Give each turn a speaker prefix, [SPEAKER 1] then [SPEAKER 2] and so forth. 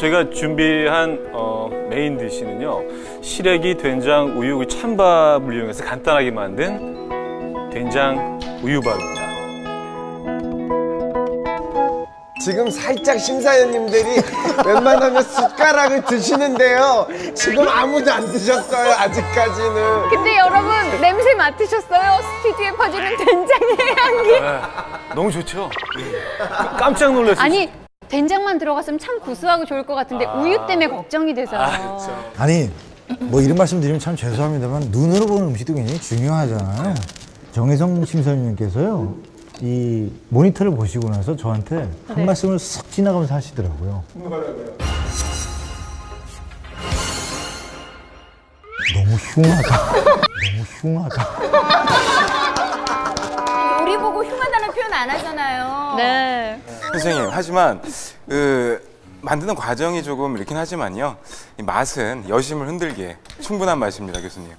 [SPEAKER 1] 저희가 준비한 메인 디시는요, 시래기, 된장, 우유, 찬밥을 이용해서 간단하게 만든 된장 우유밥입니다.
[SPEAKER 2] 지금 살짝 심사위원님들이 웬만하면 숟가락을 드시는데요. 지금 아무도 안 드셨어요, 아직까지는.
[SPEAKER 3] 근데 여러분, 냄새 맡으셨어요? 스튜디오에 퍼지는 된장의 향기.
[SPEAKER 1] 네, 너무 좋죠? 깜짝 놀랐어요.
[SPEAKER 3] 아니, 된장만 들어갔으면 참 구수하고 좋을 것 같은데 우유 때문에 걱정이 돼서요.
[SPEAKER 4] 아니, 뭐 이런 말씀 드리면 참 죄송합니다만 눈으로 보는 음식도 굉장히 중요하잖아요. 정혜성 심사위원님께서요, 이 모니터를 보시고 나서 저한테 한 말씀을 싹 지나가면서 하시더라고요. 너무 흉하다. 너무 흉하다.
[SPEAKER 5] 요리 보고 흉하다는 표현 안 하잖아요.
[SPEAKER 3] 네.
[SPEAKER 6] 선생님, 하지만 만드는 과정이 조금 이렇긴 하지만요, 이 맛은 여심을 흔들기에 충분한 맛입니다, 교수님.